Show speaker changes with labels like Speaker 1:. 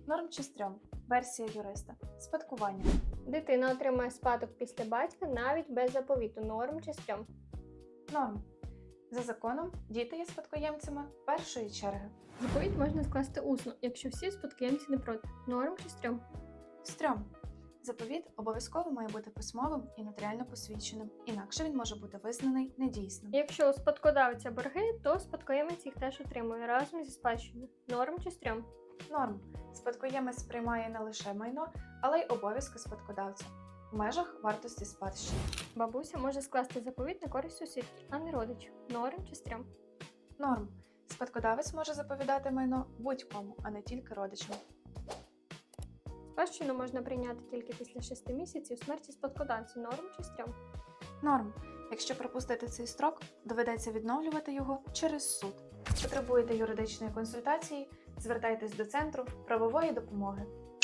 Speaker 1: Норм чи стрьом? Версія юриста. Спадкування.
Speaker 2: Дитина отримає спадок після батька навіть без заповіту. Норм чи стрьом?
Speaker 1: Норм. За законом, діти є спадкоємцями першої черги.
Speaker 2: Заповіт можна скласти усно, якщо всі спадкоємці не проти. Норм чи стрьом?
Speaker 1: Стрьом. Заповіт обов'язково має бути письмовим і нотаріально посвідченим, інакше він може бути визнаний недійсним.
Speaker 2: Якщо у спадкодавця борги, то спадкоємець їх теж отримує разом зі спадщиною. Норм чи стрьом?
Speaker 1: Норм. Спадкоємець приймає не лише майно, але й обов'язки спадкодавця в межах вартості спадщини.
Speaker 2: Бабуся може скласти заповіт на користь сусідки, а не родичів. Норм чи стрьом?
Speaker 1: Норм. Спадкодавець може заповідати майно будь-кому, а не тільки родичам.
Speaker 2: Спадщину можна прийняти тільки після 6 місяців смерті спадкодавця. Норм чи стрьом?
Speaker 1: Норм. Якщо пропустити цей строк, доведеться відновлювати його через суд. Потребуєте юридичної консультації? Звертайтесь до Центру правової допомоги.